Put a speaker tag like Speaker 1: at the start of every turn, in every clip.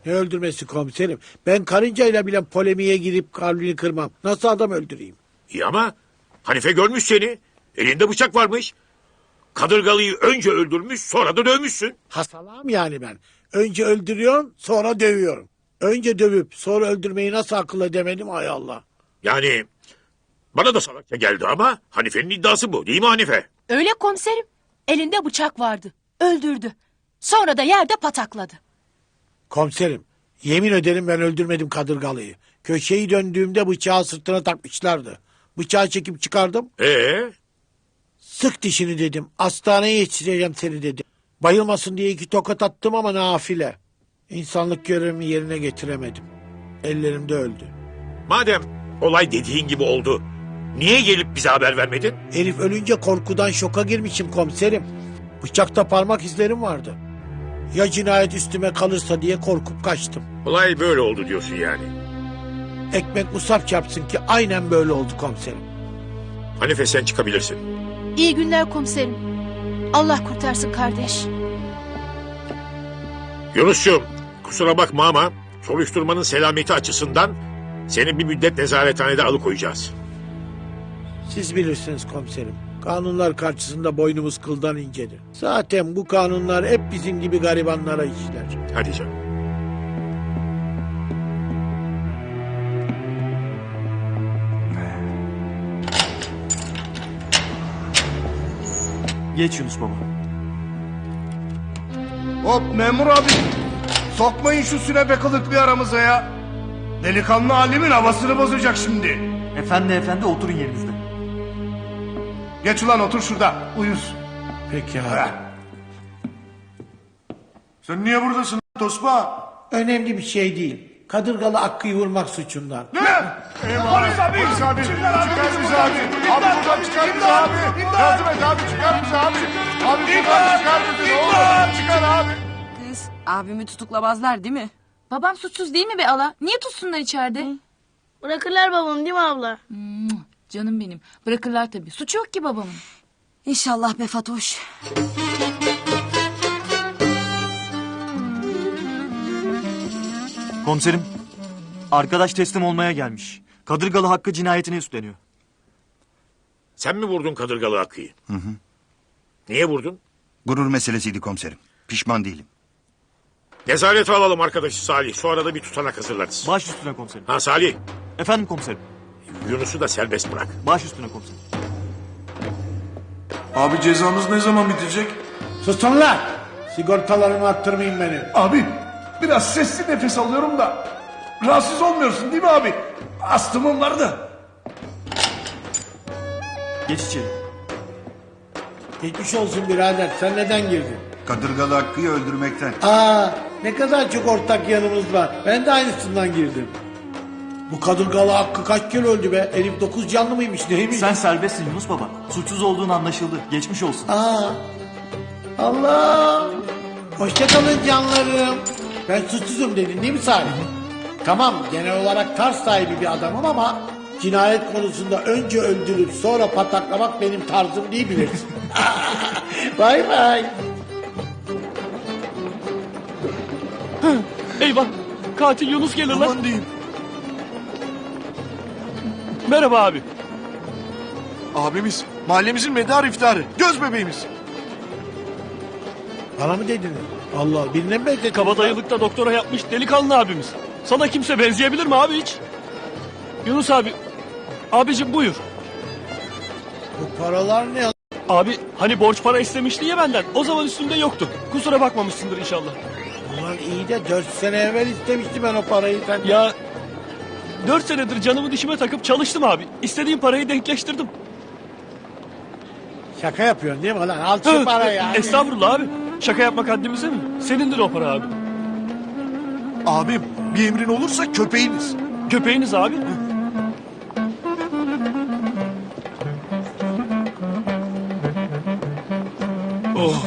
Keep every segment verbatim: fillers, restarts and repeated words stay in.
Speaker 1: Ne öldürmesi komiserim? Ben karıncayla bile polemiğe girip kalbini kırmam. Nasıl adam öldüreyim?
Speaker 2: İyi ama Hanife görmüş seni. Elinde bıçak varmış. Kadırgalıyı önce öldürmüş sonra da dövmüşsün.
Speaker 1: Hastalam yani ben. Önce öldürüyorum sonra dövüyorum. Önce dövüp sonra öldürmeyi nasıl akıl edemedim ay Allah.
Speaker 2: Yani bana da salakça geldi ama Hanife'nin iddiası bu değil mi Hanife?
Speaker 3: Öyle komiserim. Elinde bıçak vardı. Öldürdü. Sonra da yerde patakladı.
Speaker 1: Komiserim yemin ederim ben öldürmedim kadırgalıyı. Köşeyi döndüğümde bıçağı sırtına takmışlardı. Bıçağı çekip çıkardım.
Speaker 2: Ee,
Speaker 1: Sık dişini dedim. Hastaneye yetiştireceğim seni dedim. Bayılmasın diye iki tokat attım ama nafile. İnsanlık görevimi yerine getiremedim. Ellerimde öldü.
Speaker 2: madem olay dediğin gibi oldu, niye gelip bize haber vermedin?
Speaker 1: Herif ölünce korkudan şoka girmişim komiserim. Bıçakta parmak izlerim vardı. Ya cinayet üstüme kalırsa diye korkup kaçtım.
Speaker 2: Olay böyle oldu diyorsun yani.
Speaker 1: Ekmek musaf çarpsın ki aynen böyle oldu komiserim.
Speaker 2: Hanife sen çıkabilirsin.
Speaker 3: İyi günler komiserim. Allah kurtarsın kardeş.
Speaker 2: Yunus'cum kusura bakma ama soruşturmanın selameti açısından seni bir müddet nezarethanede alıkoyacağız.
Speaker 1: Siz bilirsiniz komiserim. Kanunlar karşısında boynumuz kıldan incedir. Zaten bu kanunlar hep bizim gibi garibanlara işler.
Speaker 2: Hadi canım.
Speaker 4: Geç Yunus baba.
Speaker 5: Hop memur abi. Sokmayın şu sünepe kılıklı aramıza ya. Delikanlı Halim'in havasını bozacak şimdi.
Speaker 4: Efendi efendi oturun yerinizde.
Speaker 5: Geç ulan otur şurada. Uyuz.
Speaker 1: Peki abi.
Speaker 5: Heh. Sen niye buradasın Tosba?
Speaker 1: Önemli bir şey değil. Kadırgalı Hakkı'yı vurmak suçundan.
Speaker 5: Ne? Polis abi. Polis abi. Çıkar bizi abi. Abi buradan çıkar bizi abi. Yardım et abi çıkar bizi abi. Abi buradan çıkar bizi ne olur. Çıkar abi.
Speaker 6: Kız abimi tutuklamazlar değil mi? Babam suçsuz değil mi be ala? Niye tutsunlar içeride?
Speaker 7: Bırakırlar babam değil mi abla?
Speaker 6: Hmm, canım benim. Bırakırlar tabii. Suçu yok ki babamın. İnşallah be Fatoş.
Speaker 4: Komiserim, arkadaş teslim olmaya gelmiş. Kadırgalı Hakkı cinayetine üstleniyor.
Speaker 2: Sen mi vurdun Kadırgalı Hakkı'yı? Hı hı. Niye vurdun?
Speaker 8: Gurur meselesiydi komiserim. Pişman değilim.
Speaker 2: Nezarete alalım arkadaşı Salih. Sonra da bir tutanak hazırlarız.
Speaker 4: Baş üstüne komiserim.
Speaker 2: Ha Salih,
Speaker 4: Efendim komiserim.
Speaker 2: Yunus'u da serbest bırak.
Speaker 4: Baş üstüne komiserim.
Speaker 5: Abi cezamız ne zaman bitecek?
Speaker 1: Susun lan! Sigortalarımı attırmayın benim.
Speaker 5: Abi biraz sesli nefes alıyorum da. Rahatsız olmuyorsun değil mi abi? Astımım vardı.
Speaker 4: Geç içeri.
Speaker 1: Geçmiş olsun birader. Sen neden girdin?
Speaker 8: Kadırgalı Hakkı'yı öldürmekten.
Speaker 1: Aa, ne kadar çok ortak yanımız var. Ben de aynısından girdim. Bu kadırgalı Hakkı kaç kere öldü be? Herif dokuz canlı mıymış neymiş?
Speaker 4: Sen serbestsin Yunus baba. Suçsuz olduğun anlaşıldı. Geçmiş olsun.
Speaker 1: Aa, Allah! Hoşçakalın canlarım. Ben suçsuzum dedin değil mi Salih? Tamam genel olarak tarz sahibi bir adamım ama cinayet konusunda önce öldürüp sonra pataklamak benim tarzım değil bilirsin. Bay bay.
Speaker 9: Eyvah! Katil Yunus gelir lan.
Speaker 5: Aman diyeyim.
Speaker 9: Merhaba abi.
Speaker 5: Abimiz mahallemizin medar iftarı. Göz bebeğimiz.
Speaker 1: Bana mı dediniz? Allah birine mi benzettin?
Speaker 9: Kabadayılıkta doktora yapmış delikanlı abimiz. Sana kimse benzeyebilir mi abi hiç? Yunus abi. Abicim buyur.
Speaker 1: Bu paralar ne?
Speaker 9: Abi hani borç para istemişti ya benden. O zaman üstünde yoktu. Kusura bakmamışsındır inşallah.
Speaker 1: Ulan iyi de dört sene evvel istemiştim ben o parayı senden.
Speaker 9: Ya dört senedir canımı dişime takıp çalıştım abi. İstediğim parayı denkleştirdim.
Speaker 1: Şaka yapıyorsun değil mi lan? Al şu parayı abi.
Speaker 9: Estağfurullah abi. Şaka yapmak haddimize mi? Senindir o para abi.
Speaker 5: Abim bir emrin olursa köpeğiniz.
Speaker 9: Köpeğiniz abi. Oh.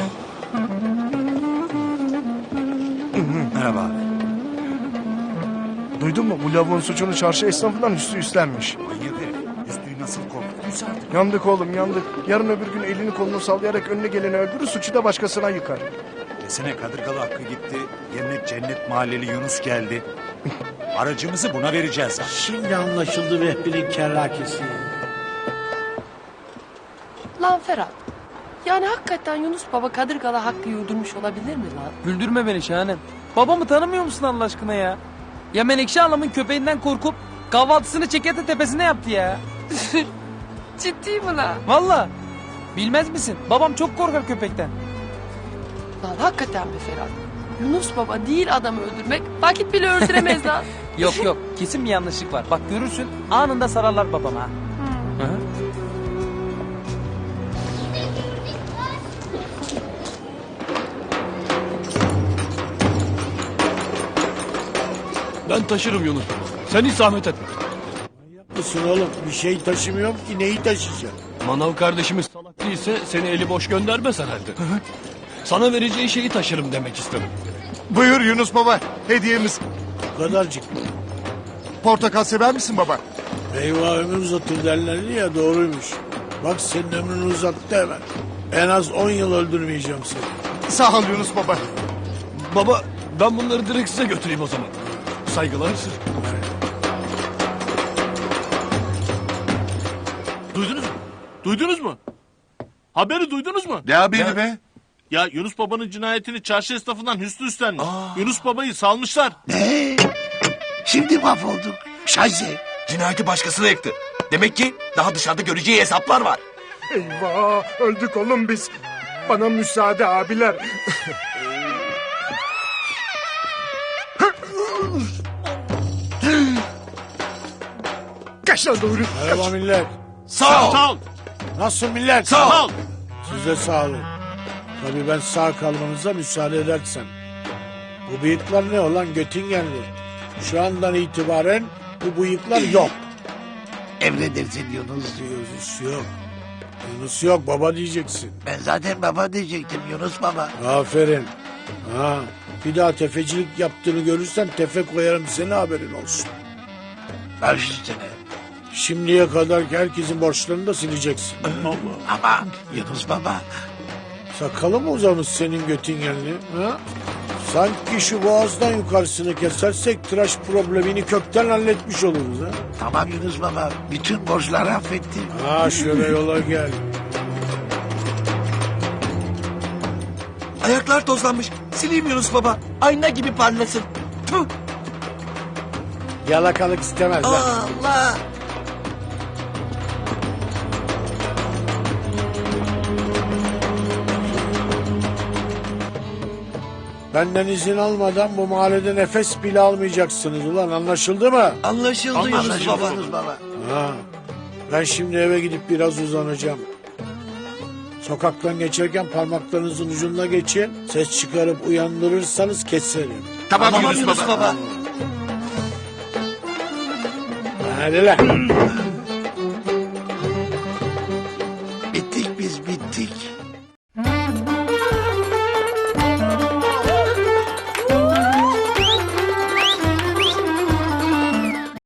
Speaker 8: Merhaba abi.
Speaker 5: Duydun mu? Bu lavuğun suçunu çarşı esnafından üstü üstlenmiş.
Speaker 8: Manyak herif. Üstüyü nasıl korkuttuysa artık.
Speaker 5: Yandık oğlum yandık. Yarın öbür gün elini kolunu sallayarak önüne geleni öldürür suçu da başkasına yıkar.
Speaker 10: Desene Kadırgalı Hakkı gitti. Yerine Cennet Mahalleli Yunus geldi. Aracımızı buna vereceğiz.
Speaker 1: Şimdi anlaşıldı Vehbi'nin kerrakesi.
Speaker 11: Lan Ferhat. Yani hakikaten Yunus Baba Kadırgalı Hakkı'yı öldürmüş olabilir mi lan?
Speaker 9: Güldürme beni Şahanem. Babamı tanımıyor musun Allah aşkına ya? Ya Menekşe Hanım'ın köpeğinden korkup kahvaltısını Çekete tepesine yaptı ya.
Speaker 11: Ciddi mi lan?
Speaker 9: Valla. Bilmez misin? Babam çok korkar köpekten.
Speaker 11: Lan hakikaten be Ferhat. Yunus Baba değil adamı öldürmek vakit bile öldüremez lan.
Speaker 9: Yok yok kesin bir yanlışlık var. Bak görürsün anında sararlar babama. Ha. Hı. Ben taşırım Yunus. Sen hiç zahmet etme.
Speaker 1: Mısın oğlum? Bir şey taşımıyorum ki neyi taşıyacağım?
Speaker 9: Manav kardeşimiz salak değilse seni eli boş göndermez herhalde. Sana vereceği şeyi taşırım demek istedim.
Speaker 5: Buyur Yunus baba. Hediyemiz.
Speaker 1: Bu kadarcık.
Speaker 5: Portakal sever misin baba?
Speaker 1: Eyvah ömür uzatır derlerdi ya doğruymuş. Bak senin ömrünü uzattı hemen. En az on yıl öldürmeyeceğim seni.
Speaker 5: Sağ ol Yunus baba.
Speaker 9: Baba ben bunları direkt size götüreyim o zaman. Saygılar sır.
Speaker 12: Duydunuz mu? Duydunuz mu? Haberi duydunuz mu?
Speaker 5: Ne haberi be?
Speaker 12: Ya Yunus Baba'nın cinayetini çarşı esnafından Hüsnü üstlenmiş. Yunus Baba'yı salmışlar.
Speaker 1: Ne? Şimdi mahvolduk. Şayze.
Speaker 2: Cinayeti başkasına yıktı. Demek ki daha dışarıda göreceği hesaplar var.
Speaker 5: Eyvah öldük oğlum biz. Bana müsaade abiler. Kaç lan doğru.
Speaker 1: Merhaba millet.
Speaker 12: Sağ ol. Sağ ol.
Speaker 1: Nasıl millet?
Speaker 12: Sağ ol.
Speaker 1: Size sağ olun. Tabii ben sağ kalmanıza müsaade edersem. Bu bıyıklar ne olan Göttingenli? Şu andan itibaren bu bıyıklar yok.
Speaker 13: Emredersin Yunus.
Speaker 1: Yunus yok. Yunus yok baba diyeceksin.
Speaker 13: Ben zaten baba diyecektim Yunus baba.
Speaker 1: Aferin. Ha, bir daha tefecilik yaptığını görürsem tefe koyarım seni haberin olsun.
Speaker 13: Baş üstüne.
Speaker 1: Şimdiye kadar herkesin borçlarını da sileceksin.
Speaker 13: Ama Yunus baba.
Speaker 1: Sakalı mı uzamış senin Göttingenli? Ha? Sanki şu boğazdan yukarısını kesersek tıraş problemini kökten halletmiş oluruz. Ha?
Speaker 13: Tamam Yunus baba. Bütün borçları affettim.
Speaker 1: Ha şöyle yola gel.
Speaker 2: Ayaklar tozlanmış. Sileyim Yunus Baba. Ayna gibi parlasın. Tüh.
Speaker 1: Yalakalık istemez lan.
Speaker 2: Allah.
Speaker 1: Benden izin almadan bu mahallede nefes bile almayacaksınız ulan anlaşıldı mı?
Speaker 2: Anlaşıldı Yunus
Speaker 13: Anlaşıldı
Speaker 2: Baba.
Speaker 13: Yunus baba.
Speaker 1: Ha. Ben şimdi eve gidip biraz uzanacağım. Sokaktan geçerken parmaklarınızın ucuna geçin. Ses çıkarıp uyandırırsanız keserim.
Speaker 2: Tamam, tamam Yunus, Yunus Baba.
Speaker 1: Hadi lan.